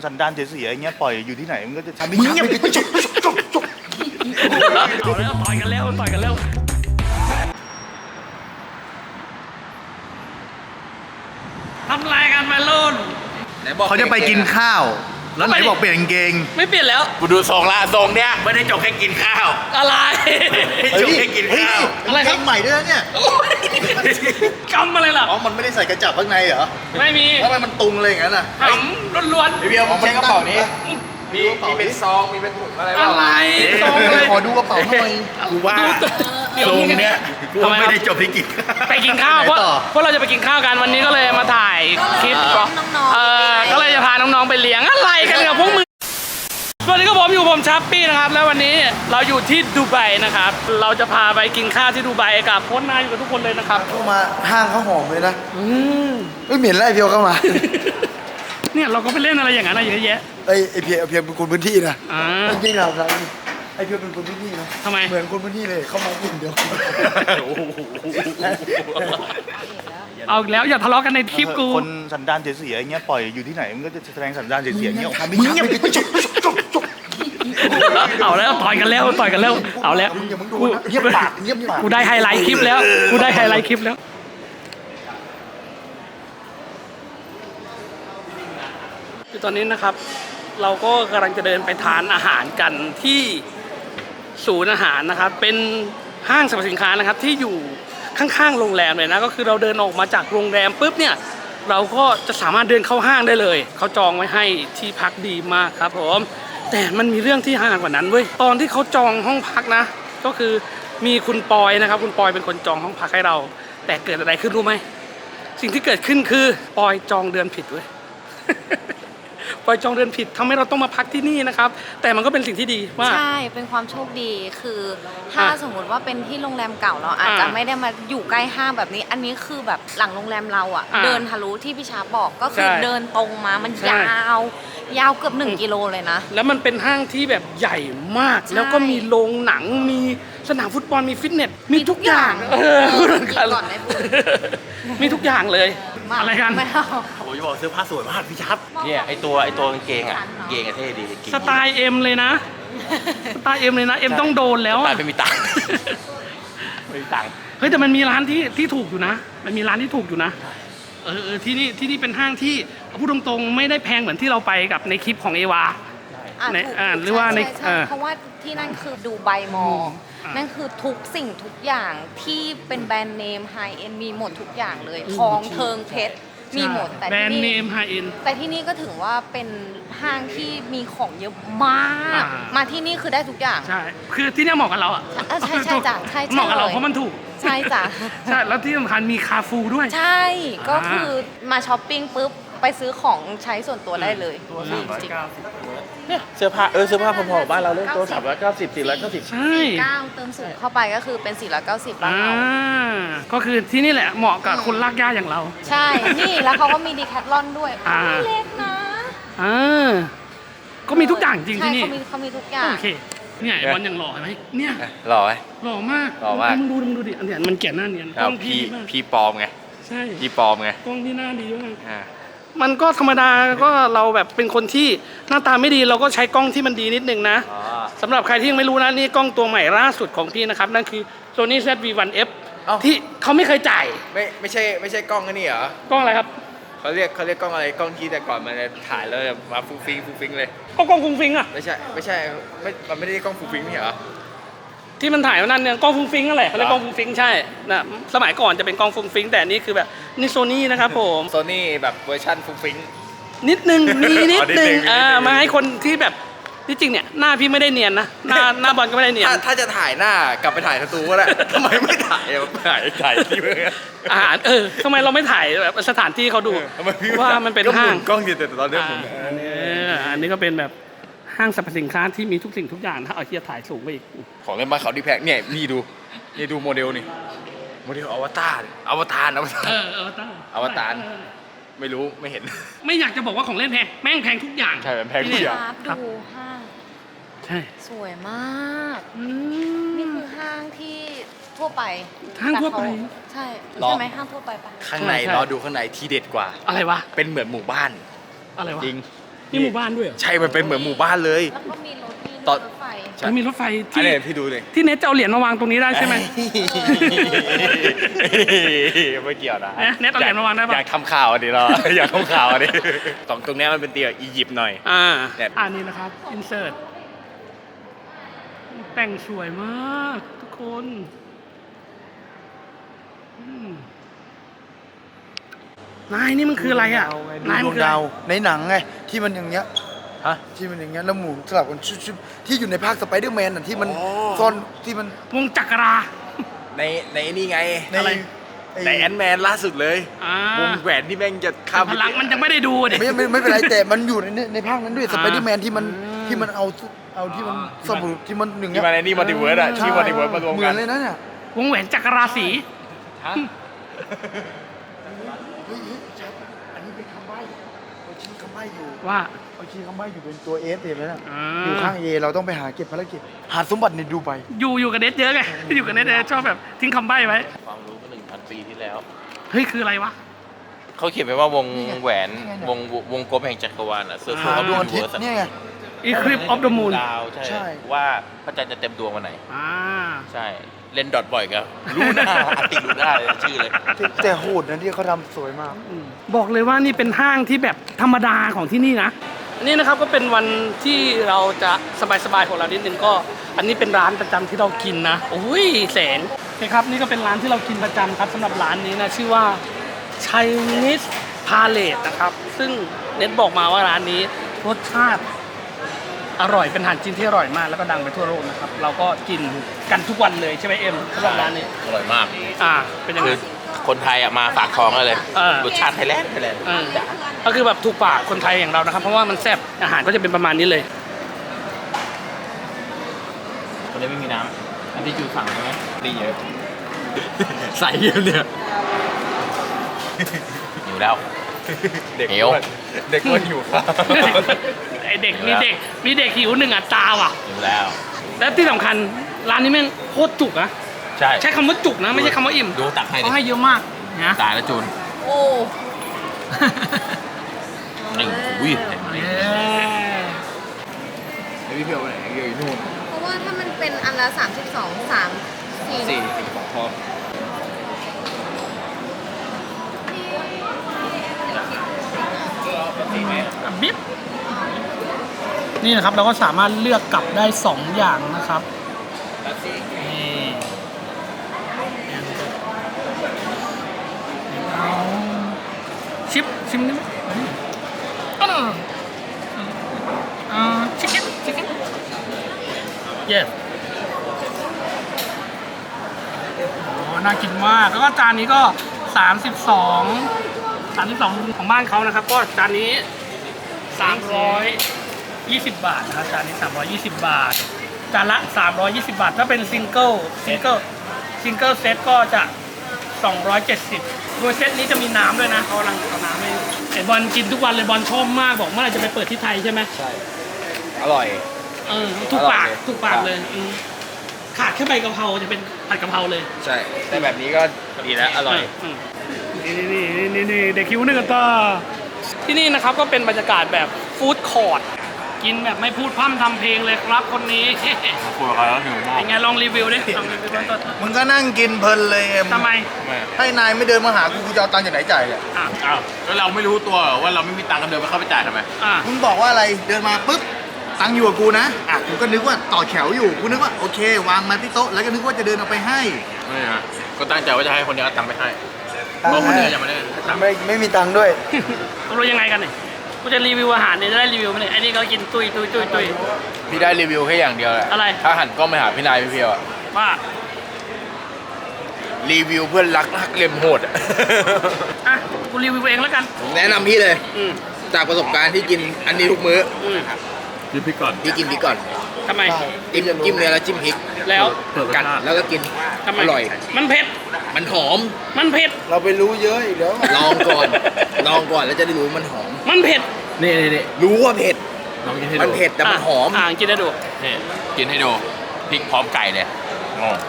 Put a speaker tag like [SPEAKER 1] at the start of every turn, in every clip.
[SPEAKER 1] สันดานเสียๆอย่างเงี้ยปล่อยอยู่ที่ไหนมันก็จะทำให้
[SPEAKER 2] มึงอย่าไปจบ
[SPEAKER 3] เอาแล้วต่อยกันแล้วทำลายกันวัยรุ่น
[SPEAKER 1] เขาจะไปกินข้าวแล้วไหนบอกเปลี่ยนกางเกง
[SPEAKER 3] ไม่เปลี่ยนแล้ว
[SPEAKER 2] กูดูทรงละทรงเนี้ยไม่ได้จบแค่กินข้าว
[SPEAKER 3] อะไร
[SPEAKER 2] ไม่จบแค่กินข้าว
[SPEAKER 3] อะไรครับ
[SPEAKER 1] ใหม่ด้วยนะเนี่ย
[SPEAKER 3] กำอะไรล่ะ
[SPEAKER 1] อ๋อมันไม่ได้ใส่กระจับข้างในเหรอ
[SPEAKER 3] ไม่มี
[SPEAKER 1] ทำไมมันตุงเลยอย่างนั้นอ่ะ
[SPEAKER 3] หำล้วน
[SPEAKER 2] เบียร์ผมใช้กระเป๋านี้มีเป็นซองมีเป็นถุงอะไร
[SPEAKER 3] ๆ
[SPEAKER 2] บ้า
[SPEAKER 3] อะ
[SPEAKER 2] ง
[SPEAKER 3] ไรตรงเลย
[SPEAKER 1] ขอดูกระเป๋าหน่อย
[SPEAKER 2] กูว่าทรงเนี้ยกูว่าไม่ได้จบที่กินข้าว
[SPEAKER 3] ไปกินข้าวเพราะเราจะไปกินข้าวกันวันนี้ก็เลยมาถ่ายคลิปก็เลยจะพาน้องๆไปเลี้ยงอะไรกันกับพวกมึงสวัสดีครับผมชัปปี้นะครับแล้ววันนี้เราอยู่ที่ดูไบนะครับเราจะพาไปกินข้าวที่ดูไบกับโค้ชนายอยู่กับทุกคนเลยนะครับ
[SPEAKER 1] เข้ามาห้างเขาหอมเลยนะไม่เหม็นแล้วไอเพียวเข้ามา
[SPEAKER 3] เนี่ยเราก็ไปเล่นอะไรอย่างนั้นอะเยอะแยะ
[SPEAKER 1] ไอเพียวเป็นคนพื้นที่นะ
[SPEAKER 3] อ่า
[SPEAKER 1] จริงๆครับไอเพียวเป็นคนพื้นที่นะ
[SPEAKER 3] ทำไม
[SPEAKER 1] เหมือนคนพื้นที่เลยเข้ามากินเดียว
[SPEAKER 3] เอาอีกแล้วอย่าทะเลาะกันในคลิปกู
[SPEAKER 1] คนสันดานเสียๆอย่างเงี้ยปล่อยอยู่ที่ไหนมันก็จะแสดงสันดานเสียๆอย่างเงี้ยออกมา
[SPEAKER 2] มึงอย่าไปจบ
[SPEAKER 3] เอาแล้วต่อยกันแล้วเอาแล้ว
[SPEAKER 1] อย่ามึงดูนะเงียบปากเงียบปาก
[SPEAKER 3] กูได้ไฮไลท์คลิปแล้วคือตอนนี้นะครับ เราก็กำลังจะเดินไปทานอาหารกันที่ศูนย์อาหารนะครับ เป็นห้างสรรพสินค้านะครับที่อยู่ข้างๆโรงแรมเลยนะก็คือเราเดินออกมาจากโรงแรมปุ๊บเนี่ยเราก็จะสามารถเดินเข้าห้างได้เลยเขาจองไว้ให้ที่พักดีมากครับผมแต่มันมีเรื่องที่ห่างกว่านั้นเว้ยตอนที่เขาจองห้องพักนะก็คือมีคุณปอยนะครับคุณปอยเป็นคนจองห้องพักให้เราแต่เกิดอะไรขึ้นรู้ไหมสิ่งที่เกิดขึ้นคือปอยจองเดือนผิดเว้ย ปอยจองเดือนผิดทำให้เราต้องมาพักที่นี่นะครับแต่มันก็เป็นสิ่งที่ดีว่า
[SPEAKER 4] ใช่เป็นความโชคดีคือถ้าสมมติว่าเป็นที่โรงแรมเก่าเราอาจจะไม่ได้มาอยู่ใกล้ห้างแบบนี้ อันนี้คือแบบหลังโรงแรมเราอ่ะเดินทะลุที่พี่ชาบอกก็คือเดินตรงมามันยาวเกือบ1 กิโลเลยนะ
[SPEAKER 3] แล้วมันเป็นห้างที่แบบใหญ่มาก แล้วก็มีโรงหนังมีสนามฟุตบอลมีฟิตเนสมีทุกอย่างพูดเหมือนกัน
[SPEAKER 4] ก่อนไม่พูด
[SPEAKER 3] มีทุกอย่างเลยอะไรกัน
[SPEAKER 4] ไม่เอา
[SPEAKER 2] ผมจะบอกเสื้อผ้าสวยมากพี่ชับเนี่ยไอตัวกางเกงอ่ะกางเกงอะเท่ดี
[SPEAKER 3] สไตล์เอ็มเลยนะสไตล์เอ็มเลยนะเอ็มต้องโดนแล้ว
[SPEAKER 2] แต่
[SPEAKER 3] อะ
[SPEAKER 2] ไม่มีตังค์ไม่มีตังค์
[SPEAKER 3] เฮ้ยแต่มันมีร้านที่ถูกอยู่นะมันมีร้านที่ถูกอยู่นะที่นี่เป็นห้างที่พูดตรงๆไม่ได้แพงเหมือนที่เราไปกับในคลิปของเอวา ใน
[SPEAKER 4] ถูก
[SPEAKER 3] หรือว่าใน
[SPEAKER 4] ใช่เพราะว่าที่นั่นคือดูไบมอลล์นั่นคือทุกสิ่งทุกอย่างที่เป็นแบรนด์เนมไฮเอ็นมีหมดทุกอย่างเลยทองเทิงเพชรมีหมดแต่
[SPEAKER 3] แบรนด์เน
[SPEAKER 4] ที่
[SPEAKER 3] มไฮเอ็น
[SPEAKER 4] แต่ที่นี่ก็ถือว่าเป็นห้างที่มีของเยอะมาก
[SPEAKER 3] อ่า
[SPEAKER 4] มาที่นี่คือได้ทุกอย่าง
[SPEAKER 3] ใช่ คือที่เนี่ยเหมาะกับเราอ่ะ
[SPEAKER 4] ใช่จ้ะใช่
[SPEAKER 3] เหมาะกับเรา
[SPEAKER 4] เลย
[SPEAKER 3] เพราะมันถูก
[SPEAKER 4] ใช่จ้ะ
[SPEAKER 3] ใช่ แล้วที่สำคัญมีคาฟูด้วย
[SPEAKER 4] ใช่ ก็คือมาช้อปปิ้งปุ๊บ ไปซื้อของใช้ส่วนตัวได้เลยจริง
[SPEAKER 2] เนี่ยเสื้อผ้าเสื้อผ้าพอๆบ้านเราเลยตัว390 490
[SPEAKER 3] ใช่
[SPEAKER 4] 9เติมสูงเข้าไปก็คือเป็น490บ้านเรา
[SPEAKER 3] ก็คือที่นี่แหละเหมาะกับคนลากย่าอย่างเรา
[SPEAKER 4] ใช่ นี่แล้วเขาก็มีดีแคทลอนด้วย
[SPEAKER 3] อ่า
[SPEAKER 4] ไม่เล็กนะ
[SPEAKER 3] ก็มีทุกอย่างจริงที่นี่
[SPEAKER 4] ใช่เขามีทุกอย่าง
[SPEAKER 3] โอเค เนี่ยไอ้บอลอย่างหล่อเห็นไหมเนี่ย
[SPEAKER 2] หล่อไหม
[SPEAKER 3] หล่อมาก
[SPEAKER 2] หล่อมาก
[SPEAKER 3] มึงดูดิอันเนี้ยมันแก่หน้าเนียนกล้องพี่ดีมาก
[SPEAKER 2] พี่ปลอมไง
[SPEAKER 3] ใช่
[SPEAKER 2] พี่ปลอมไง
[SPEAKER 3] กล้องที่หน้าดีมาก
[SPEAKER 2] อ่า
[SPEAKER 3] มันก็ธรรมดาก็เราแบบเป็นคนที่หน้าตาไม่ดีเราก็ใช้กล้องที่มันดีนิดนึงนะสำหรับใครที่ยังไม่รู้นะนี่กล้องตัวใหม่ล่าสุดของพี่นะครับนั่นคือ Sony ZV-1F ที่เขาไม่เคยจ่าย
[SPEAKER 2] ไม่ใช่กล้องอันนี้เหรอก
[SPEAKER 3] ล้องอะไรครับ
[SPEAKER 2] เขาเรียกกล้องอะไรกล้องที่แต่ก่อนมันถ่ายแล้วมาฟุ้งฟิงเลย
[SPEAKER 3] ก็กล้องฟุ้งฟิงอะ
[SPEAKER 2] ไม่ใช่มันไม่ได้กล้องฟุ้งฟิงนี่เหรอ
[SPEAKER 3] ที่มันถ่ายวันนั้นเนี่ยกล้องฟุ้งฟิงนั่นแหละเขาเรียกกล้องฟุ้งฟิงใช่นะสมัยก่อนจะเป็นกล้องฟุ้งฟิงแต่อันนี่คือแบบนี่โซนี่นะครับผม
[SPEAKER 2] โซนี่แบบเวอร์ชันฟุ้งฟิง
[SPEAKER 3] นิดนึงมีนิดนึง
[SPEAKER 2] นิดนึง
[SPEAKER 3] มาให้คนที่แบบที่จริงเนี่ยหน้าพี่ไม่ได้เนียนนะหน้าบอลก็ไม่ได้เนียน
[SPEAKER 2] ถ้าจะถ่ายหน้ากลับไปถ่ายสตูก็ได้ ทำไมไม่ถ่ายที่เมือง
[SPEAKER 3] อาหารทำไมเราไม่ถ่ายแบบสถานที่เขาดู
[SPEAKER 2] ทำไมพี่
[SPEAKER 3] ว่ามันเป็นห้าง
[SPEAKER 2] กล้องอยู่แต่ตอนนี้ผม
[SPEAKER 3] อันนี้ก็เป็นแบบห้างสรรพสินค้าที่มีทุกสิ่งทุกอย่างถ้าเอาเทียบถ่ายสูงไปอีก
[SPEAKER 2] ของเล่นบ้านเขาดีแพงเนี่ยนี่ดูโมเดลนี่โมเดลอวตารอวตาร อวตารไม่รู้ไม่เห็น
[SPEAKER 3] ไม่อยากจะบอกว่าของเล่นแพงแม่งแพงทุกอย่าง
[SPEAKER 2] ใช่แพงทุกอย่าง
[SPEAKER 4] ครับดูห้าง
[SPEAKER 3] ใช่
[SPEAKER 4] สวยมาก นี่คือห้างที่ทั่วไป
[SPEAKER 3] ห้างทั่วไป
[SPEAKER 4] แต่เขาใช่ใช่ไหมห้างทั่วไปปะ
[SPEAKER 2] ข้างใน
[SPEAKER 3] ใช่
[SPEAKER 2] รอดูข้างในที่เด็ดกว่า
[SPEAKER 3] อะไรวะ
[SPEAKER 2] เป็นเหมือนหมู่บ้าน
[SPEAKER 3] อะไรวะ
[SPEAKER 2] จริง
[SPEAKER 3] นี่หมู่บ้านด้วยเหรอ
[SPEAKER 2] ใช่มันเป็นเหมือนหมู่บ้านเลย
[SPEAKER 4] แล้วก็มีรถ
[SPEAKER 2] ตอน
[SPEAKER 4] รถไฟ
[SPEAKER 3] แล้วมีรถไฟ
[SPEAKER 2] อัน
[SPEAKER 3] ที่
[SPEAKER 2] นี้พี่ดูเลย
[SPEAKER 3] ที่เน็ตจะเอาเหรียญมาวางตรงนี้ได้ใช่ไหม
[SPEAKER 2] ไม่เกี่ยวนะ
[SPEAKER 3] เน็ตเอาเหรียญมาวางได้ปะ
[SPEAKER 2] อยากทำข่าวอ่ะดิเรา อยากทำข่าวอ่ะดิตรงเนี้ยมันเป็นเตียงอียิปต์หน่อย แต่
[SPEAKER 3] นี่นะครับอินเสิร์ตแต่งสวยมากทุกคนนายนี่มันคืออะไรอ่ะนาย
[SPEAKER 1] ด
[SPEAKER 3] มั
[SPEAKER 1] วน ง
[SPEAKER 3] คืออะไร
[SPEAKER 1] ดาวในหนังไงที่มันอย่างเงี้ย
[SPEAKER 2] ฮะ
[SPEAKER 1] ที่มันอย่างเงี้ยแล้วหมุนสลับกันชุบๆที่อยู่ในภาคสไปเดอร์แมนน่ะที่มัน
[SPEAKER 2] อ๋อ
[SPEAKER 1] ซ่อนที่มัน
[SPEAKER 3] วงจักรา
[SPEAKER 2] ในนี่ไง
[SPEAKER 1] ใน
[SPEAKER 3] อะไร
[SPEAKER 2] ในแอนด์แมนล่าสุดเลย
[SPEAKER 3] อ่าว
[SPEAKER 2] งแหวนที่แม่งจะข้าม
[SPEAKER 3] พลังมันยังไม่ได้ดูเด็
[SPEAKER 1] ไม่เป็นไรแต่มันอยู่ในภาคนั้นด้วยสไปเดอร์แมนที่มันเอาที่มันสมุดที่มันหนึ่ง
[SPEAKER 2] ที่มาในนี่มัลติเวิร์สอะที่มัลติเวิร์สมารวม
[SPEAKER 1] เหมื
[SPEAKER 2] กั
[SPEAKER 1] อน นเลยนะเนี่ยว
[SPEAKER 3] งแหวนจักราศี
[SPEAKER 2] ฮะ
[SPEAKER 1] เฮ้ยชัดอันนี้เป็นคำใบ้เขาชี้คำใบ้อยู่
[SPEAKER 3] ว่า
[SPEAKER 1] เขาชี้คำใบ้อยู่เป็นตัวเอสเห็นไหมน่ะ
[SPEAKER 3] อ่า
[SPEAKER 1] อยู่ข้างเอเราต้องไปหาเก็บภารกิจหาสมบัติในดูไบ
[SPEAKER 3] อยู่กับเน็ตเยอะไง อยู่กับเน็ตชอบแบบทิ้งคำใบ้ไว้
[SPEAKER 5] ความรู้เมื่อ 1,000 ปีที่แล้ว
[SPEAKER 3] เฮ้ยคืออะไรวะ
[SPEAKER 5] เขาเขียนไว้ว่าวง
[SPEAKER 1] นี่ไง
[SPEAKER 5] แหวน
[SPEAKER 1] นี่ไงเนี่ย
[SPEAKER 5] วงกลมแห่งจักรวาลอ่ะเซอร์เคิล
[SPEAKER 3] อ่า
[SPEAKER 5] ออฟ
[SPEAKER 1] ดวง
[SPEAKER 5] ยู
[SPEAKER 1] อาทิต
[SPEAKER 5] นิเวิร์
[SPEAKER 1] ย์
[SPEAKER 5] ส
[SPEAKER 1] เนี่ยไง
[SPEAKER 3] Eclipse of the Moon
[SPEAKER 5] ดาวใช่
[SPEAKER 1] ใช่
[SPEAKER 5] ว่าพระจันทร์จะเต็มดวงวันไหน
[SPEAKER 3] อ่า
[SPEAKER 5] ใช่ เล่นดอทบ่อยครับรู้หน้าอาติรู้หน้าเลยชื่อเลย
[SPEAKER 1] แต่โหดนะที่เขาทำสวยมาก
[SPEAKER 3] บอกเลยว่านี่เป็นห้างที่แบบธรรมดาของที่นี่นะอันนี้นะครับก็เป็นวันที่เราจะสบายๆของเรานิดนึงก็ อันนี้เป็นร้านประจำที่เรากินนะโอ้ยแสงโอเคครับนี่ก็เป็นร้านที่เรากินประจำครับสำหรับร้านนี้นะชื่อว่า Chinese Palette นะครับซึ่งเน็ตบอกมาว่าร้านนี้รสชาติอร่อยเป็นอาหารจีนที่อร่อยมากแล้วก็ดังไปทั่วโลกนะครับเราก็กินกันทุกวันเลยใช่ไหมเอ็มสำหรับร้านนี้
[SPEAKER 5] อร่อยมาก
[SPEAKER 3] เป็นยังไง
[SPEAKER 5] คือคนไทยอ่ะมาฝากท้องได้เลย
[SPEAKER 3] เออ
[SPEAKER 5] รสชาติไทยแลนด์
[SPEAKER 3] ก็คือแบบถูกปากคนไทยอย่างเรานะครับ เพราะว่ามันแซ่บอาหารก็จะเป็นประมาณนี้เลย
[SPEAKER 5] คนนี้ไม่มีน้ำอันที่จูสั่งใช่ไหมดีเยอะ
[SPEAKER 2] ใส่เยอะเนี่ย
[SPEAKER 5] อยู่แล้ว
[SPEAKER 2] เด็ก
[SPEAKER 5] เหนียว
[SPEAKER 2] อ้วนเด็กอ้วนอยู่ครับ
[SPEAKER 3] ไอเด็กมีเด็กหิวหนึ่งอัตราว่ะ
[SPEAKER 5] อยู่แล้ว
[SPEAKER 3] และที่สำคัญร้านนี้แม่งโคตรจุกนะ
[SPEAKER 5] ใช่
[SPEAKER 3] ใช้คำว่าจุกนะไม่ใช่คำว่าอิ่ม
[SPEAKER 5] ดูตักให้ดิ
[SPEAKER 3] เขาให้เยอะมากนะ
[SPEAKER 5] ตายแล้วจูน
[SPEAKER 4] โอ้
[SPEAKER 5] ไอ้อุ้ยเห็นไหม
[SPEAKER 2] ไอ้พี่เพียวไปไหนเพียวอยู่นู่น
[SPEAKER 4] เพราะว่าถ้ามันเป็นอันละ32 3 4
[SPEAKER 2] 4 2พอ
[SPEAKER 3] บิ๊บนี่นะครับเราก็สามารถเลือกกลับได้ 2 อย่างนะครับนี่เอาชิมได้ไหมชิคเก้นเย้น่ากินมากแล้วก็จานนี้ก็32ของบ้านเขานะครับ ก็จานนี้320 บาทนะครับจานนี้320 บาทจานละ320 บาทถ้าเป็นซิงเกิลเซตก็จะ270โดยเซตนี้จะมีน้ำด้วยนะเขากำลังเอาน้ำให้ไอบอลกินทุกวันเลยบอลชอบมากบอกเมื่อไหร่จะไปเปิดที่ไทยใช่ไหม
[SPEAKER 2] ใช่ อร่อย
[SPEAKER 3] ถูกปาก
[SPEAKER 2] อร่อยเลย
[SPEAKER 3] ถูกปากเลยขาดแค่ใบกะเพราจะเป็นผัดกะเพราเลย
[SPEAKER 2] ใช่แต่แบบนี้ก็ดีแล้วอร่อย
[SPEAKER 3] นี่เด็กคิวหนึ่งกันต่อที่นี่นะครับก็เป็นบรรยากาศแบบฟู้ดคอร์ทกินแบบไม่พูดพร่ำทำเพลงเลยครับคนนี้
[SPEAKER 5] คุยกับเขาแล้วหิวมาก
[SPEAKER 3] เป็นไงลองรีวิวดิลองรีวิวต้น
[SPEAKER 1] มึงก็นั่งกินเพลินเลยเอ็ม
[SPEAKER 3] ทำไม
[SPEAKER 1] ให้นายไม่เดินมาหากูจะเอาตังค์จากไหนจ่ายอ่ะ
[SPEAKER 3] อ่ะ
[SPEAKER 5] อ้าวแล้วเราไม่รู้ตัวเหรอว่าเราไม่มีตังค์กันเดินไปเข้าไปจ่ายทำไม
[SPEAKER 3] อ่ะ
[SPEAKER 1] มึงบอกว่าอะไรเดินมาปุ๊บตังค์อยู่กับกูนะอ่ะกูก็นึกว่าต่อแถวอยู่กูนึกว่าโอเควางมาที่โต๊ะแล้วก็นึกว่าจะเดินเอาไปให้
[SPEAKER 5] ไม่ฮะก็ตั้งใจว่าจะให้คนนี้เอาตังค์ไปให้เพราะคนนี้ยังไม่ได้ตังค์
[SPEAKER 1] ไม่มีตังค์ด้วย
[SPEAKER 3] รู้ยังไงกันเนี่ยกูจะรีวิวอาหารเนี่ยจะได้รีวิวไหมเนี่ยไอ้นี่ก็กินตุย
[SPEAKER 2] พี่ได้รีวิวแค่อย่างเดียวแหละ
[SPEAKER 3] อะไร
[SPEAKER 2] ถ้าหันกล้องไปหาพี่นายพี่เพียวอะ
[SPEAKER 3] ว่า
[SPEAKER 2] รีวิวเพื่อนรักเล็มโหดอะ
[SPEAKER 3] อ่ะกูรีวิวเองแล้วกัน
[SPEAKER 1] ผมแนะนำพี่เลย
[SPEAKER 3] อืม
[SPEAKER 1] จากประสบการณ์ที่กินอันนี้ทุกมื้อ
[SPEAKER 5] ยืมพี่ก่อน
[SPEAKER 1] พี่กินพริกก่อน
[SPEAKER 3] ทำไม
[SPEAKER 1] จิ้มเนื้อแล้วจิ้มพริก
[SPEAKER 3] แล้ว
[SPEAKER 1] กัดแล้วก็กิน
[SPEAKER 3] ทำไม
[SPEAKER 1] อร่อย
[SPEAKER 3] มันเผ็ด
[SPEAKER 1] มันหอม
[SPEAKER 3] มันเผ็ด
[SPEAKER 1] เราไปรู้เยอะอีกแล้วลองก่อนลองก่อนแล้วจะได้รู้มันหอม
[SPEAKER 3] มันเผ็ด
[SPEAKER 5] นี่
[SPEAKER 1] รู้ว่าเผ็ด
[SPEAKER 5] ลองกินให้
[SPEAKER 1] มัน
[SPEAKER 5] ดู
[SPEAKER 1] เผ็ดแต่มันหอม
[SPEAKER 3] กินได้ดู
[SPEAKER 5] นี่กินให้ดูพริกพร้อมไก่เลยงง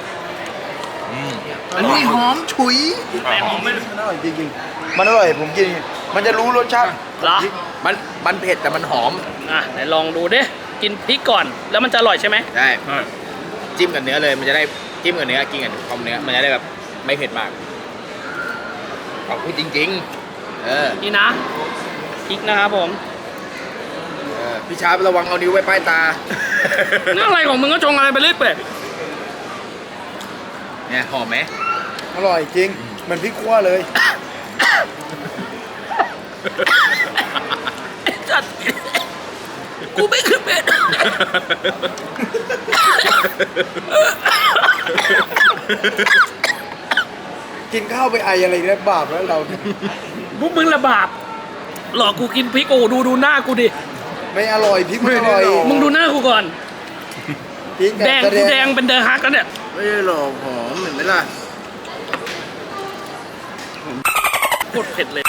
[SPEAKER 1] อันนี้หอมฉุย
[SPEAKER 3] แต่หอมไม่
[SPEAKER 1] มันอร่อยจริงๆมันอร่อยผมกิน มันจะรู้รสชาติ
[SPEAKER 3] เหรอ
[SPEAKER 1] ร
[SPEAKER 2] มันเผ็ดแต่มันหอม
[SPEAKER 3] อ่ะไหนลองดูดิกินพริกก่อนแล้วมันจะอร่อยใช่ไหม
[SPEAKER 2] ใช่จิ้มกับเนื้อเลยมันจะได้จิ้มกับเนื้อกินกับคอมเนื้อมันจะได้แบบไม่เผ็ดมากเอาพูดจริงๆ
[SPEAKER 3] นี่นะพริกนะครับผม
[SPEAKER 2] พี่ชาระวังเอานิ้วไว้ป้ายตา
[SPEAKER 3] นี่อะไรของมึงก็จงอะไรไปเรื่อยเปื่อย
[SPEAKER 2] เนี่ยหอมไหม
[SPEAKER 1] อร่อยจริงเหมือนพริกคั่วเลย
[SPEAKER 3] จัดกูไม่ขึ้นเบ็ด
[SPEAKER 1] กินข้าวไปไออะไรเนี่ยบาปแล้วเรา
[SPEAKER 3] พวกมึงระบาปหลอกกูกินพริกโอ้ดูหน้ากูดิ
[SPEAKER 1] ไม่อร่อยพริกไม่อร่อย
[SPEAKER 3] มึงดูหน้ากูก่อน
[SPEAKER 1] พริก
[SPEAKER 3] แดงกูแดงเป็นเดอร์ฮักแล้วเนี่ย
[SPEAKER 2] ไม่ได้หรอกหอมเห็นไหมล่ะ
[SPEAKER 3] โคตรเผ็ดเลย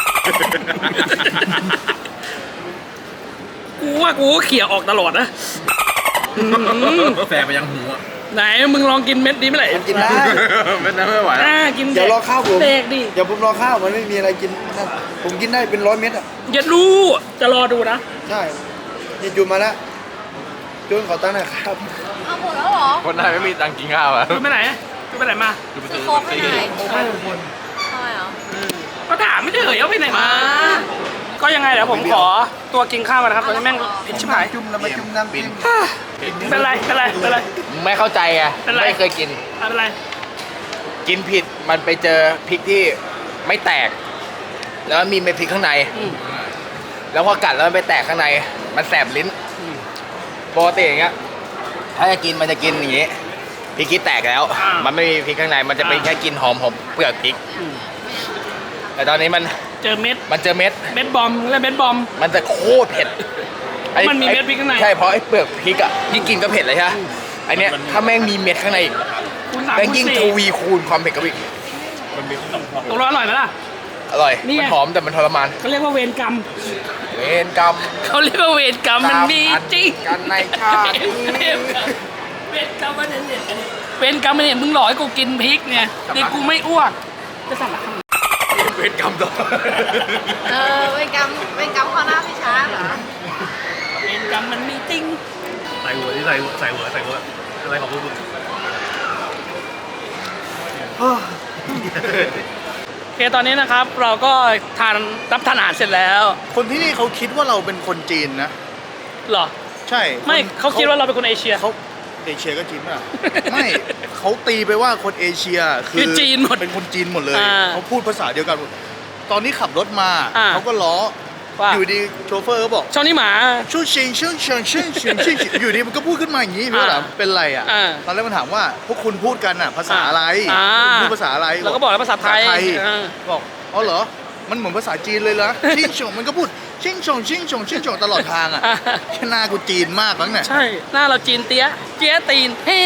[SPEAKER 3] กูว่ากูก็เขี่ยออกตลอดนะ
[SPEAKER 5] แฝงไปยังหูอ่ะ
[SPEAKER 3] ไหนมึงลองกินเม็ดนี้ไหมล่ะ
[SPEAKER 1] กินได้
[SPEAKER 2] ไม่ได้ไม่ไหวแล้ว
[SPEAKER 3] กิน
[SPEAKER 1] เดี๋ยวรอข้าวผม
[SPEAKER 3] เด็กดิ
[SPEAKER 1] เดี๋ยวผมรอข้าวมันไม่มีอะไรกินนั่นผมกินได้เป็น100 เม็ดอ่ะ
[SPEAKER 3] อย่ารู้จะรอดูนะ
[SPEAKER 1] ใช่นี่จูนมาแล้วจูนขอตั้งค์หน่อยครับ
[SPEAKER 4] เอาหมดแล้วเหรอ
[SPEAKER 2] คนไทยไม่มีตังค์กินข้าวอ่ะ
[SPEAKER 3] คุณไปไหนคุณไปไหนมา
[SPEAKER 5] คือไป
[SPEAKER 4] จะ
[SPEAKER 5] ซื้อ
[SPEAKER 4] โคกไปไหน
[SPEAKER 1] โอ้ไม่ทุกคน
[SPEAKER 4] ทำไมเหรอ
[SPEAKER 3] ก็ถามไม่ได้เหยเอาไปไหนมา ก็ยังไงเดี๋ยวผมขอตัวกินข้าวกันนะครับตอนนี้แม่งผิดชิบหาย
[SPEAKER 1] จุ่มแล้วมาจุ่มน้ำจิ้ม
[SPEAKER 3] เป็นไรเป็นไรเป็นไร
[SPEAKER 2] ไม่เข้าใจไง
[SPEAKER 3] เป็นไร
[SPEAKER 2] ไม่เคยกิน
[SPEAKER 3] ไม่เป็นไร
[SPEAKER 2] กินผิดมันไปเจอพริกที่ไม่แตก แล้วมีเม็ดพริกข้างใน แล้วพอกัดแล้วมันไปแตกข้างใน มันแสบลิ้นปกติอย่างเงี้ยถ้าจะกินมันจะกินอย่างงี้พริกที่แตกแล้ว มันไม่มีพริกข้างในมันจะเป็นแค่กลินหอมเปลือกพริก แต่ตอนนี้มัน
[SPEAKER 3] เจอเม็ด
[SPEAKER 2] เจอเม็ด
[SPEAKER 3] เม็ดบอมและเม็ดบอม
[SPEAKER 2] มันจะโคตรเผ็ด
[SPEAKER 3] มันมีเม็ดพริกข้างใน
[SPEAKER 2] ใช่เพราะไอ้เปลือกพริกอ่ะที่กินก็เผ็ดเลยใช่ไหมไอเนี้ยถ้าแม่งมีเม็ดข้างในอีก
[SPEAKER 3] คุณสาม
[SPEAKER 2] แม่ง
[SPEAKER 3] คุณ
[SPEAKER 2] ยิ่ง
[SPEAKER 3] สี่
[SPEAKER 2] ทวีคูณความเผ็ดกับอีก
[SPEAKER 3] ตกลงอร่อยไหมล่ะ
[SPEAKER 2] อร่อย
[SPEAKER 3] นี่ไง
[SPEAKER 2] มันหอมแต่มันทรมาน
[SPEAKER 3] เขาเรียกว่าเวรกรรม
[SPEAKER 2] เวรกรรม
[SPEAKER 3] เขาเรียกว่าเวรกรรมมันมีจริง
[SPEAKER 2] กันในชาตินี้
[SPEAKER 3] เวรกรรมมันเนี่ยเวรกรรมมันเนี่ยมึงหลอกให้กูกินพริกเนี่ยนี่กูไม่อ้วกจะสั่งละ
[SPEAKER 2] เวรกรรมต่อ
[SPEAKER 4] เป็นกรรมข้อหน้าพี่ช้าเหรอ
[SPEAKER 3] เวรกรรมมันมีจริง
[SPEAKER 5] ใส่หัวที่ใส่หัวอะไรของพวกมึง
[SPEAKER 3] โอเคตอนนี้นะครับเราก็รับทานอาหารเสร็จแล้ว
[SPEAKER 1] คนที่นี่เขาคิดว่าเราเป็นคนจีนนะ
[SPEAKER 3] เหรอ
[SPEAKER 1] ใช่
[SPEAKER 3] ไม่เขาคิดว่าเราเป็นคนเอเชีย
[SPEAKER 1] เขาเอเชียก็จีนป่ะ ไม่เขาตีไปว่าคนเอเชียคื
[SPEAKER 3] คือจีนหมด
[SPEAKER 1] เป็นคนจีนหมดเลย
[SPEAKER 3] อ่า
[SPEAKER 1] เขาพูดภาษาเดียวกัน ตอนนี้ขับรถมา
[SPEAKER 3] อ่า
[SPEAKER 1] เขาก็ล้อ
[SPEAKER 3] ว่า
[SPEAKER 1] อยู่ดีโชเฟอร์ก็บอก
[SPEAKER 3] ช่องนี้หมา
[SPEAKER 1] ชูชิงชูชิงชูชิงชูชิงอยู่ดีมันก็พูดขึ้นมาอย่างนี้พี่ว่าถามเป็นไรอ่ะ
[SPEAKER 3] อ่า
[SPEAKER 1] ตอนแรกมันถามว่าพวกคุณพูดกันอ่ะภาษาอะไร
[SPEAKER 3] อ่า
[SPEAKER 1] คุณพูดภาษาอะไร
[SPEAKER 3] เราก็บอกแล้วภาษาไทยอ่า
[SPEAKER 1] บอกอ๋อเหรอมันเหมือนภาษาจีนเลยเหรอชิงชงมันก็พูดชิงชงชิงชงชิงชงตลอดทางอ่ะแค่หน้ากูจีนมากมั้งเนี่ย
[SPEAKER 3] ใช่หน้าเราจีนเตี้ยเจี๊ยตีนเฮ้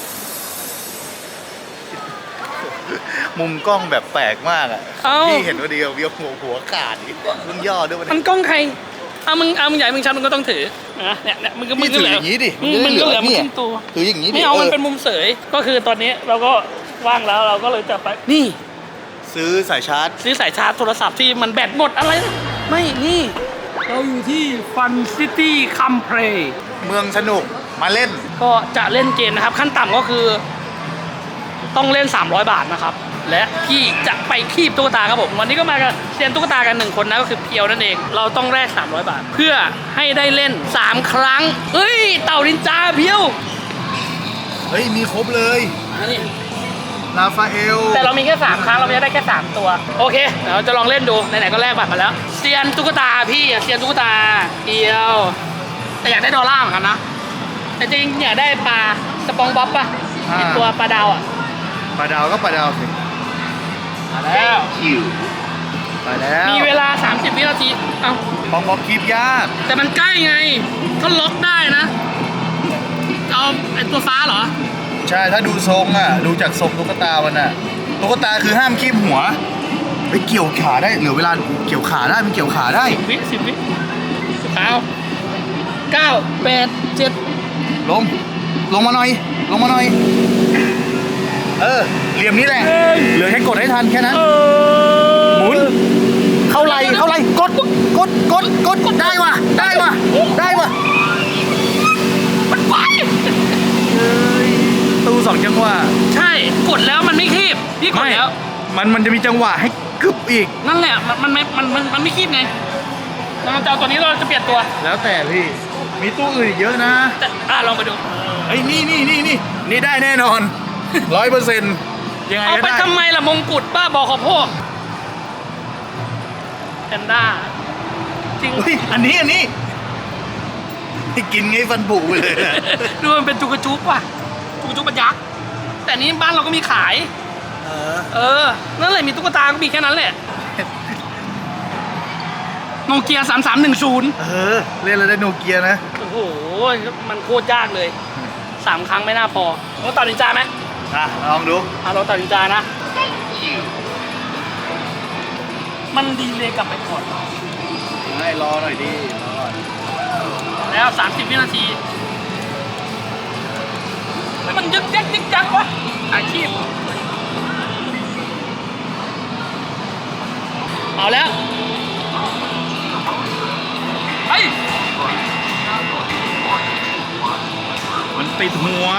[SPEAKER 1] มุมกล้องแบบแปลกมากอ่ะ
[SPEAKER 3] เอ้า
[SPEAKER 1] พี่เห็นว่าเดียวเดียวหัวขาดอีกมึงย่อด้วย
[SPEAKER 3] มันกล้องใครมึงใหญ่มึงชันมึงก็ต้องถือนะเนี่ยมึงก็
[SPEAKER 1] พี่ถืออย่างนี้ดิ
[SPEAKER 3] มึงก็เหลือมึง
[SPEAKER 1] เนี่ย
[SPEAKER 3] ขึ้นตัว
[SPEAKER 1] ถืออย่างนี้ดิ
[SPEAKER 3] ไม่เอามันเป็นมุมเสยก็คือตอนนี้เราก็ว่างแล้วเราก็เลยจะไปนี่
[SPEAKER 1] ซื้อสายชาร์จ
[SPEAKER 3] ซื้อสายชาร์จโทรศัพท์ที่มันแบตหมดอะไรนะไม่นี่ เราอยู่ที่ฟันซิตี้คัมเพลย์
[SPEAKER 1] เมืองสนุกมาเล่น
[SPEAKER 3] ก็จะเล่นเกมนะครับ ขั้นต่ำก็คือต้องเล่น 300 บาทนะครับ และพี่จะไปคีบตุ๊กตาครับผมวันนี้ก็มากันเซียนตุ๊กตากัน1คนนะก็คือเพียวนั่นเอง เราต้องแลก300 บาท เพื่อให้ได้เล่น 3 ครั้งเฮ้ยเต่านินจาเพียว
[SPEAKER 1] เฮ้ยมีครบเลย
[SPEAKER 3] อันนี้
[SPEAKER 1] ลาฟาเอล
[SPEAKER 3] แต่เรามีแค่3ครั้งเราจะได้แค่3ตัวโอเคเดี๋ยวจะลองเล่นดูไหนๆก็แลกบัตรมาแล้วเซียนตุ๊กตาพี่เซียนตุ๊กตาเพียวแต่อยากได้ดอลลาร์เหมือนกันนะแต่จริงอยากได้ปลาสปองบ๊อบป่ะไอตัวปลาดาวอ่ะ
[SPEAKER 1] ปลาดาวก็ปลาดาวสิ
[SPEAKER 3] มาแล้ว
[SPEAKER 1] มาแล้ว
[SPEAKER 3] มีเวลา 30 วินาทีเอ้า
[SPEAKER 1] ปองบอกคีบยาก
[SPEAKER 3] แต่มันใกล้ไงถ้าล็อกได้นะเอาไอตัวฟ้าเหรอ
[SPEAKER 1] ใช่ถ้าดูทรงอ่ะดูจากทรงตุ๊กตามันอ่ะตุ๊กตาคือห้ามคีบหัวไปเกี่ยวขาได้เหลือเวลาเกี่ยวขาได้มันเกี่ยวขาได้
[SPEAKER 3] 10 วิ9 8 7
[SPEAKER 1] ลงมาหน่อยเหลี่ยมนี้แหละเหลือแค่กดให้ทันแค่นั้นหมุนเข้าไหลกกดได้ว่ะได้ว่ะ
[SPEAKER 3] มันไป
[SPEAKER 1] ตู้สองจังหวะ
[SPEAKER 3] ใช่กดแล้วมันไม่คีบพี่กดแล้ว
[SPEAKER 1] มันจะมีจังหวะให้กึบอีก
[SPEAKER 3] นั่นแหละมันไม่คีบไงเราจะเอาตัวนี้เราจะเปลี่ยนตัว
[SPEAKER 1] แล้วแต่พี่มีตู้อื่นอีกเยอะนะ
[SPEAKER 3] แต่ลองไปดู
[SPEAKER 1] ไอ้ยนี่ได้แน่นอน 100%ยังไง
[SPEAKER 3] เอา
[SPEAKER 1] ก็
[SPEAKER 3] ไป
[SPEAKER 1] ได้
[SPEAKER 3] ทำไมล่ะมงกุฎบ้าบอขอพวกแพนด้าจริง
[SPEAKER 1] เฮ้ยอันนี้ที่กินไงฟันผุไปเลยนะ
[SPEAKER 3] ดูมันเป็นจุกระจุกว่ะจุกระจุกมันยักษ์แต่นี้บ้านเราก็มีขาย นั่นแหละมีตุ๊กตาก็มีแค่นั้นแหละโนเกีย3310
[SPEAKER 1] เล่นแล้วได้โนเกียนะ
[SPEAKER 3] โอ้โหมันโคตรยากเลย3 ครั้งไม่น่าพอเราตัดนินจาไหม
[SPEAKER 1] ลองดู
[SPEAKER 3] เราตัดนินจานะ มันดีเลยกลับไปก่อน
[SPEAKER 1] ให้รอหน่อยดิรอหน่อย
[SPEAKER 3] แล้ว30 วินาทีแล้วมันยึกยักวะอาชีพเอาแล้วเฮ้ย
[SPEAKER 1] มันติดหัว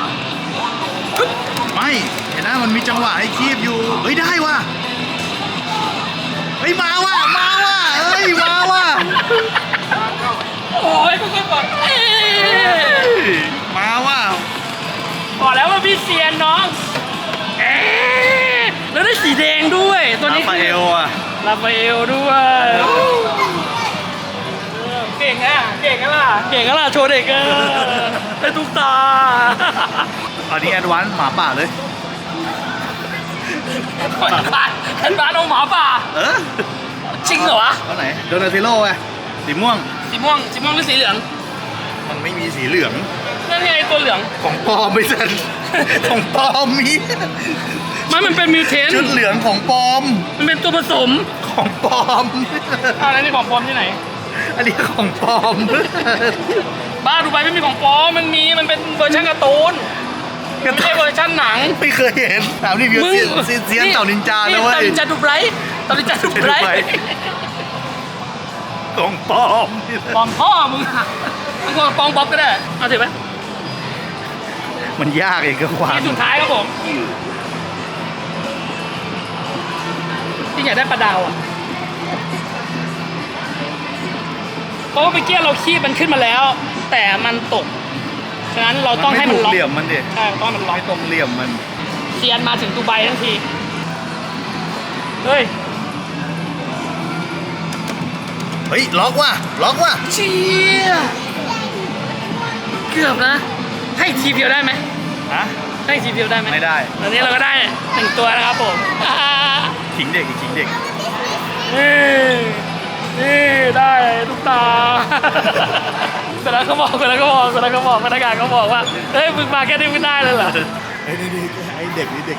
[SPEAKER 1] ไม่เห็นนะมันมีจังหวะให้คีบอยู่เฮ้ยได้ว่ะเฮ้ยมาว่ะเฮ้ยมาว่ะ
[SPEAKER 3] โอ้ยคุณก่อน
[SPEAKER 1] มาว่ะ
[SPEAKER 3] บอกแล้วว่าพี่เซียนน้องแล้วได้สีแดงด้วยตัวนี้
[SPEAKER 1] ราฟาเอลอ่ะ
[SPEAKER 3] ลาฟาเอลด้วยเก่งอ่ะโชว์เด็กอ่ะได้ทุกตา
[SPEAKER 1] อันนี้แอดวานซ์หมาป่าเลย
[SPEAKER 3] แอนบานเอาหมาป่าจริงเหรอวะ
[SPEAKER 1] เอาไหนโดนาเทโลไงสีม่วง
[SPEAKER 3] สีม่วงหรือสีเหลือง
[SPEAKER 1] มันไม่มีสีเหลือง
[SPEAKER 3] นั่นไงตัวเหลือง
[SPEAKER 1] ของปลอมไม่ใช่ของปลอมมี
[SPEAKER 3] มันเป็นมิวเทน
[SPEAKER 1] ชุดเหลืองของปลอม
[SPEAKER 3] มันเป็นตัวผสม
[SPEAKER 1] ของปลอม
[SPEAKER 3] อะไรนี่ของปลอมที่ไหน
[SPEAKER 1] อันนี้ของปลอม
[SPEAKER 3] บ้าดูไปไม่มีของปลอมมันเป็นเวอร์ชันการ์ตูนไม่ใช่เวอร์ชันหนัง
[SPEAKER 1] ไม่เคยเห็นถามรีวิวเซียนเต่านินจานะเว้ย
[SPEAKER 3] เต่านินจาดูไบรท์
[SPEAKER 1] ของปลอม
[SPEAKER 3] ปลอมพ่อมึงอะมึงควรปลอมบ๊อบก็ได้เอาถือไหม
[SPEAKER 1] มันยากเองก็ความ
[SPEAKER 3] ที่สุดท้ายครับผมที่อยากได้ปลาดาวอ่ะเพราะว่าเมื่อกี้เราคีบมันขึ้นมาแล้ว แต่มันตกฉะนั้นเราต้องให้มันล็อก
[SPEAKER 1] เหลี่ยมมันดิ
[SPEAKER 3] ใช่ต้องให้มันล็อก
[SPEAKER 1] ไม่ตรงเหลี่ยมมัน
[SPEAKER 3] เซียนมาถึงดูไบทั้งทีเฮ้ย
[SPEAKER 1] ล็อกว่ะ
[SPEAKER 3] เชี่ยเกือบนะให้ทีเดียวได้ไหม
[SPEAKER 1] ฮะ
[SPEAKER 3] ให้ทีเดียวได้ไหม
[SPEAKER 1] ไม่ได้
[SPEAKER 3] ตอนนี้เราก็ได้1 ตัวนะครับผม
[SPEAKER 1] ขิงเด็กอีกขิงเด็ก
[SPEAKER 3] นี่ได้ทุกตาเสร็จแล้วเขาบอกพนักงานเขาบอกว่าเฮ้ยมึงมาแค่นี้ไม่ได้เลยเหรอ
[SPEAKER 1] ไอ้เด็กนี่เด็ก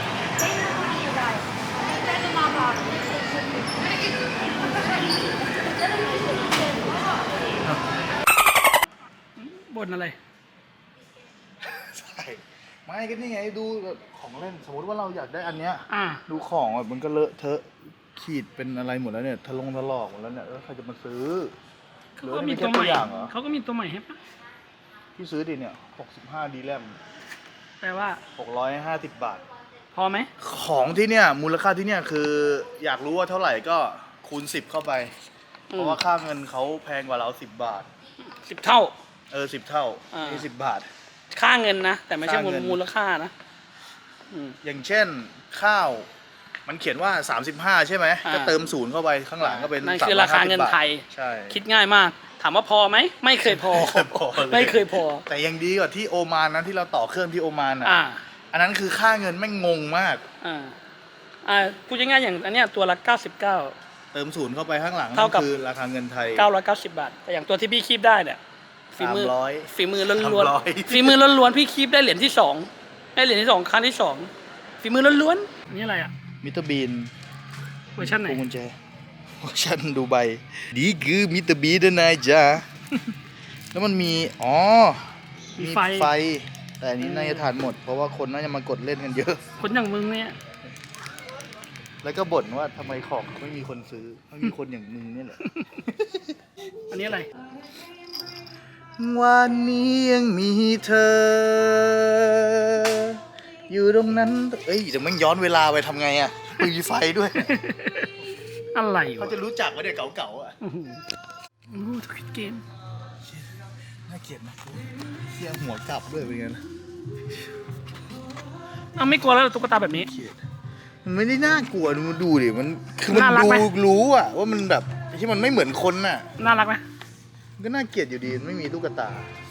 [SPEAKER 3] บ่นอะไร
[SPEAKER 1] ใช่ไม่ก็นี่ไงดูแบบของเล่นสมมติว่าเราอยากได้อันเนี้ย
[SPEAKER 3] อ่า
[SPEAKER 1] ดูของแบบมันก็เลอะเทอะขีดเป็นอะไรหมดแล้วเนี่ยถลอกหมดแล้วเนี่ยใครจะมาซื้อ
[SPEAKER 3] เขาก็มีตัวใหม่
[SPEAKER 1] อย่างเหรอ
[SPEAKER 3] เขาก็มีตัวใหม่ให้ปะ
[SPEAKER 1] ที่ซื้อดิเนี่ย65 ดีแรม
[SPEAKER 3] แปลว่า
[SPEAKER 1] 650 บาท
[SPEAKER 3] พอไหม
[SPEAKER 1] ของที่เนี่ยมูลค่าที่เนี่ยคืออยากรู้ว่าเท่าไหร่ก็คูณ 10 เข้าไป เพราะว่าค่าเงินเขาแพงกว่าเรา10 บาท
[SPEAKER 3] 10 เท่า
[SPEAKER 1] 10 เท่า
[SPEAKER 3] อ่า
[SPEAKER 1] นี่10 บาท
[SPEAKER 3] ค่าเงินนะ แต่ไม่ใช่
[SPEAKER 1] ค่าเงิน
[SPEAKER 3] มูลค่านะอืม
[SPEAKER 1] อย่างเช่นข้าวมันเขียนว่า 35 ใช่ไหม
[SPEAKER 3] อ่า
[SPEAKER 1] ก็เติม0เข้าไปข้างหลังก็เป็น
[SPEAKER 3] นั่นคือราคาเงินไทย
[SPEAKER 1] ใช่
[SPEAKER 3] คิดง่ายมาก ถามว่าพอไหมไม่เคยพอ ไม่เคยพอ
[SPEAKER 1] แต่ยังดีกว่าที่โอมานนะที่เราต่อเครื่องที่โอมานอ่ะ
[SPEAKER 3] อ่า
[SPEAKER 1] อันนั้นคือค่าเงินแม่งงงมาก
[SPEAKER 3] พูดง่ายๆอย่างอันเนี้ยตัวละ99
[SPEAKER 1] เติม0เข้าไปข้างหลัง
[SPEAKER 3] เท่ากับ
[SPEAKER 1] คือราคาเงินไทย
[SPEAKER 3] 990 บาท แต่อย่างตัวที่พี่คีบได้เนี่ยฝีมือ
[SPEAKER 1] 300
[SPEAKER 3] ฝีมือล้วน
[SPEAKER 1] 300
[SPEAKER 3] ๆฝีมือล้วนๆพี่คีบได้เหรียญที่2ได้เหรียญที่2ครั้งที่2ฝีมือล้วนๆนี่อะไรอ่ะ
[SPEAKER 1] มิสเตอร์บีน
[SPEAKER 3] เวอร์ชันไหน
[SPEAKER 1] พวงกุญแจเวอร์ชันดูไบดีคือมิสเตอร์บีนนะนายจ้า แล้วมันมีมีไฟ แต่อันนี้น่าจะทานหมด เพราะว่าคนน่าจะมากดเล่นกันเยอะ
[SPEAKER 3] คนอย่างมึงเนี่ย
[SPEAKER 1] แล้วก็บ่นว่าทำไมของไม่มีคนซื้อไม่มีคนอย่างมึงนี่แหละ
[SPEAKER 3] อันนี้อะไร
[SPEAKER 1] วันนี้ยังมีเธอ อยู่ตรงนั้นเอ้ยเดี๋ยวมันย้อนเวลาไปทำไงอ่ะมีไฟด้วย
[SPEAKER 3] อะไร
[SPEAKER 1] เขา
[SPEAKER 3] วะ
[SPEAKER 1] จะรู้จักว่าเด็กเก่าๆอ่ะ
[SPEAKER 3] โอ้โหสควิดเกม
[SPEAKER 1] น่าเกลียดนะเสียหัวกลับด้วยเป็นไงนะ
[SPEAKER 3] เอาไม่กลัวแล้วตุ๊กตาแบบนี้
[SPEAKER 1] เกลียดมันไม่ได้น่ากลัวมันดูดิมันคือมัน
[SPEAKER 3] น่ารัก
[SPEAKER 1] ดู
[SPEAKER 3] ไหม
[SPEAKER 1] รู้อ่ะว่ามันแบบที่มันไม่เหมือนคนน่ะ
[SPEAKER 3] น่ารักไหม
[SPEAKER 1] มันก็น่าเกลียดอยู่ดีมันไม่มีตุ๊กตา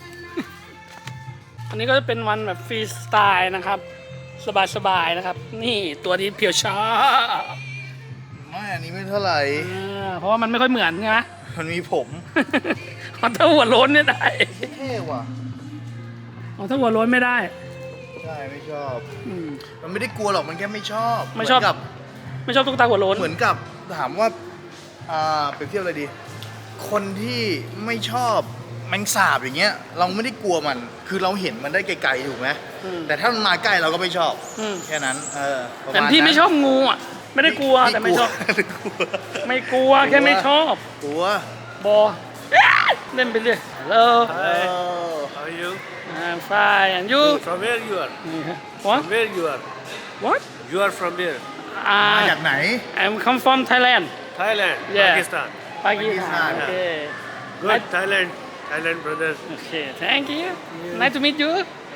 [SPEAKER 3] อันนี้ก็จะเป็นวันแบบฟรีสไตล์นะครับ สบายๆนะครับ นี่ตัวนี้เพียวชา
[SPEAKER 1] ไม่อันนี้ไม่เท่าไหร่
[SPEAKER 3] เพราะว่ามันไม่ค่อยเหมือนไง
[SPEAKER 1] มันมีผม
[SPEAKER 3] ถ้าหัวโล้นเนี่ยได้
[SPEAKER 1] เท่ว่ะ
[SPEAKER 3] ถ้าหัวโล้นไม่ได้
[SPEAKER 1] ใช่ไม่ชอบ
[SPEAKER 3] อืม
[SPEAKER 1] มันไม่ได้กลัวหรอกมันแค่ไม่ชอบ
[SPEAKER 3] ไม่ชอบ
[SPEAKER 1] เหนกับ
[SPEAKER 3] ไม่ชอบตุ๊กตาหัวโล้น
[SPEAKER 1] เหมือนกับถามว่าเปรียบเทียบอะไรดี คนที่ไม่ชอบแมงสาบอย่างเงี้ย เราไม่ได้กลัวมัน คือเราเห็นมันได้ไกลๆถูกไหม
[SPEAKER 3] อืม
[SPEAKER 1] แต่ถ้ามันมาใกล้เราก็ไม่ชอบ
[SPEAKER 3] อืม
[SPEAKER 1] แค่นั้นประ
[SPEAKER 3] แต่
[SPEAKER 1] มาณ
[SPEAKER 3] พี่
[SPEAKER 1] นั้น
[SPEAKER 3] ไม่ชอบงูอ่ะ ไม่ได้กลัวแต่ไม่ชอบ
[SPEAKER 1] ไม่กลัว
[SPEAKER 3] ไม่กลัวแค่ไม่ชอบ
[SPEAKER 1] กลัว
[SPEAKER 3] บอเล่นไปเรื่อย Hello
[SPEAKER 6] How are you?
[SPEAKER 3] I'm fine and you
[SPEAKER 6] From where you are?
[SPEAKER 3] What
[SPEAKER 6] Where you are?
[SPEAKER 3] What
[SPEAKER 6] You are from where?
[SPEAKER 1] มาจากไหน
[SPEAKER 3] I'm come from Thailand
[SPEAKER 6] Thailand,
[SPEAKER 3] Yeah.
[SPEAKER 6] Pakistan.
[SPEAKER 3] Pakistan
[SPEAKER 1] Pakistan.
[SPEAKER 3] Okay
[SPEAKER 6] Good, Thailand, Thailand brother.
[SPEAKER 3] Okay thank you nice to meet you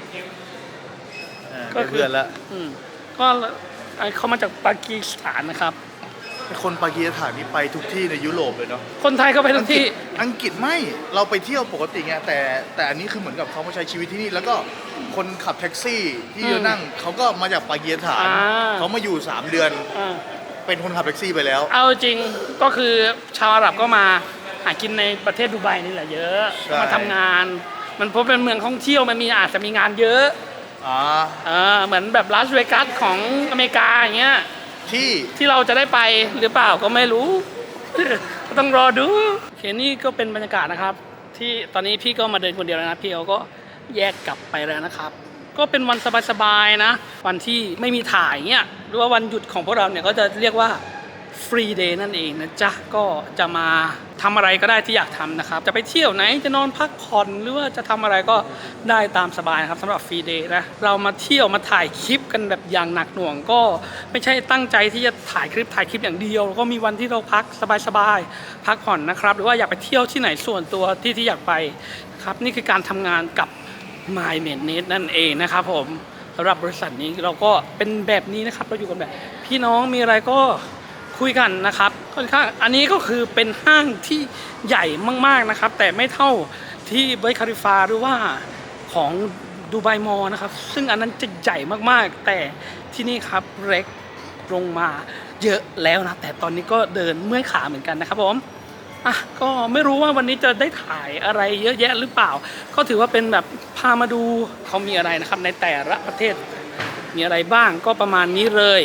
[SPEAKER 3] ก็
[SPEAKER 1] เป็น
[SPEAKER 3] คือ
[SPEAKER 1] เพื่อนละ
[SPEAKER 3] อืมก็เขามาจากปากีสถานนะครับ
[SPEAKER 1] คนปากีสถานนี่ไปทุกที่ในยุโรปเลยเนาะ
[SPEAKER 3] คนไทยก็ไปทุกที่
[SPEAKER 1] อังกฤษไม่เราไปเที่ยวปกติไงแต่อันนี้คือเหมือนกับเขามาใช้ชีวิตที่นี่ แล้วก็คนขับแท็กซี่ที่
[SPEAKER 3] อืม
[SPEAKER 1] นั่งเขาก็มาจากปากีสถาน
[SPEAKER 3] อ่า
[SPEAKER 1] เขามาอยู่ 3 เดือน
[SPEAKER 3] อ่า
[SPEAKER 1] เป็นคนขับแท็กซี่ไปแล้ว
[SPEAKER 3] เอาจริงก็คือชาวอาหรับก็มาหากินในประเทศดูไบนี่แหละเยอะ
[SPEAKER 1] ใช่
[SPEAKER 3] มาทำงาน มันเพราะเป็นเมืองท่องเที่ยวมันมีอาจจะมีงานเยอะ
[SPEAKER 1] อ่า
[SPEAKER 3] เหมือนแบบลาสเวกัสของอเมริกาอย่างเงี้ย
[SPEAKER 1] ที่
[SPEAKER 3] ที่เราจะได้ไปหรือเปล่าก็ไม่รู้ ก็ต้องรอดูโอเคนี่ก็เป็นบรรยากาศนะครับ ที่ตอนนี้พี่ก็มาเดินคนเดียวแล้วนะพี่เขาก็แยกกลับไปแล้วนะครับ ก็เป็นวันสบายๆนะ วันที่ไม่มีถ่ายเงี้ยหรือว่าวันหยุดของพวกเราเนี่ยก็จะเรียกว่าฟรีเดย์นั่นเองนะจ๊ะก็จะมาทำอะไรก็ได้ที่อยากทำนะครับ จะไปเที่ยวไหนจะนอนพักผ่อนหรือว่าจะทำอะไรก็ได้ตามสบายนะครับสำหรับฟรีเดย์นะเรามาเที่ยวมาถ่ายคลิปกันแบบอย่างหนักหน่วงก็ไม่ใช่ตั้งใจที่จะถ่ายคลิปอย่างเดียวก็มีวันที่เราพักสบายๆพักผ่อนนะครับหรือว่าอยากไปเที่ยวที่ไหนส่วนตัวที่อยากไปครับนี่คือการทำงานกับ My m a d e Net นั่นเองนะครับผมสำหรับบริษัทนี้เราก็เป็นแบบนี้นะครับเราอยู่กันแบบพี่น้องมีอะไรก็คุยกันนะครับค่อนข้างอันนี้ก็คือเป็นห้างที่ใหญ่มากๆนะครับแต่ไม่เท่าที่บุร์จ คาลิฟาหรือว่าของดูไบมอลล์นะครับซึ่งอันนั้นจะใหญ่มากๆแต่ที่นี่ครับเล็กลงมาเยอะแล้วนะแต่ตอนนี้ก็เดินเมื่อยขาเหมือนกันนะครับผมก็ไม่รู้ว่าวันนี้จะได้ถ่ายอะไรเยอะแยะหรือเปล่าก็ถือว่าเป็นแบบพามาดูเขามีอะไรนะครับในแต่ละประเทศมีอะไรบ้างก็ประมาณนี้เลย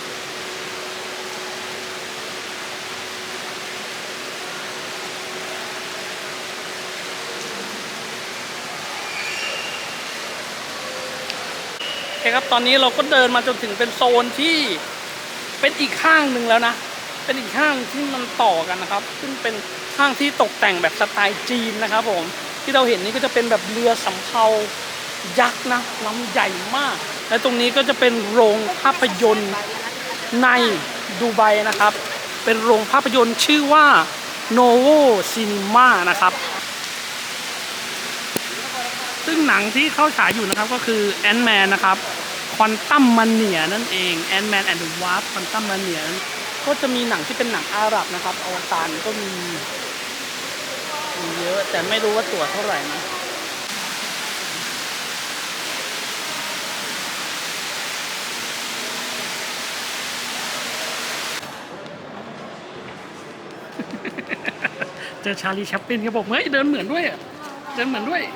[SPEAKER 3] โอเคครับตอนนี้เราก็เดินมาจนถึงเป็นโซนที่เป็นอีกห้างหนึ่งแล้วนะเป็นอีกห้างที่มันต่อกันนะครับซึ่งเป็นห้างที่ตกแต่งแบบสไตล์จีนนะครับผมที่เราเห็นนี่ก็จะเป็นแบบเรือสำเภายักษ์นะลำใหญ่มากและตรงนี้ก็จะเป็นโรงภาพยนตร์ในดูไบนะครับเป็นโรงภาพยนตร์ชื่อว่า Novo Cinema นะครับซึ่งหนังที่เข้าฉายอยู่นะครับก็คือ Ant-Man นะครับ Quantum Mania นั่นเอง Ant-Man and the Wasp Quantum Mania ก็จะมีหนังที่เป็นหนังอาหรับนะครับอวตารก็มีเยอะแต่ไม่รู้ว่าตั๋วเท่าไหร่นะเจอชาลีแชปลินเขาบอกเฮ้ยเดินเหมือนด้วยเดินเหมือนด้วย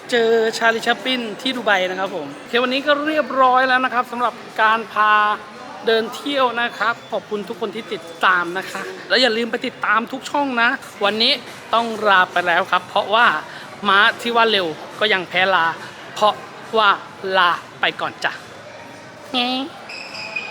[SPEAKER 3] เจอชาลีชัปปินที่ดูไบนะครับผมโอเควันนี้ก็เรียบร้อยแล้วนะครับสำหรับการพาเดินเที่ยวนะครับขอบคุณทุกคนที่ติดตามนะคะแล้วอย่าลืมไปติดตามทุกช่องนะ วันนี้ต้องลาไปแล้วครับ เพราะว่าม้าที่ว่าเร็วก็ยังแพ้ลา เพราะว่าลาไปก่อนจ้ะ